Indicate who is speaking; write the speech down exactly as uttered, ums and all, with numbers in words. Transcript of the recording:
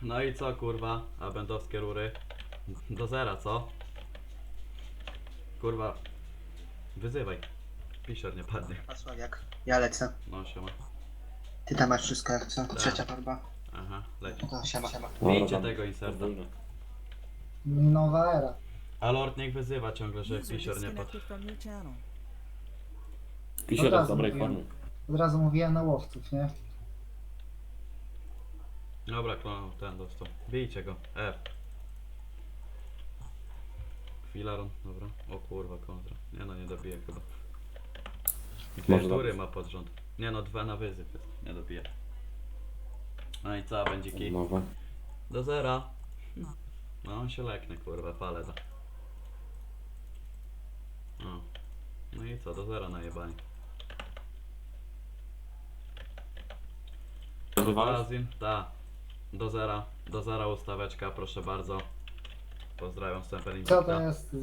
Speaker 1: No i co kurwa, abendowskie rury? Do zera, co? Kurwa, wyzywaj. Pisior nie padnie.
Speaker 2: Pasławiak. Ja lecę.
Speaker 1: No siema.
Speaker 2: Ty tam masz wszystko jak co?
Speaker 1: Tak.
Speaker 2: Trzecia farba.
Speaker 1: Aha, leci.
Speaker 2: No siema, siema.
Speaker 1: Bijcie tego inserta.
Speaker 3: Nowa era.
Speaker 1: A Lord niech wyzywa ciągle, że
Speaker 4: User
Speaker 1: Pisior nie padł.
Speaker 4: disconnected from your channel.
Speaker 5: Pisior
Speaker 3: Od
Speaker 5: jest w
Speaker 3: razu
Speaker 5: dobrej
Speaker 3: mówiłem.
Speaker 5: formie.
Speaker 3: Od razu mówiłem na łowców, nie?
Speaker 1: Dobra, klon ten dostał. Bijcie go. F. Filaron, dobra. O kurwa, kontra. Nie no, nie dobije chyba. Dwie
Speaker 5: Może
Speaker 1: tury
Speaker 5: dobrze.
Speaker 1: ma pod rząd. Nie no, dwa na wyzyw jest. Nie dobije. No i co, będzie kij?
Speaker 5: Nowe.
Speaker 1: Do zera. No on się leknie, kurwa, falę da. No. No i co, do zera najebani.
Speaker 5: Wywalać?
Speaker 1: Razin, ta. Do zera. Do zera ustaweczka, proszę bardzo. Pozdrawiam, Semper
Speaker 3: Co to jest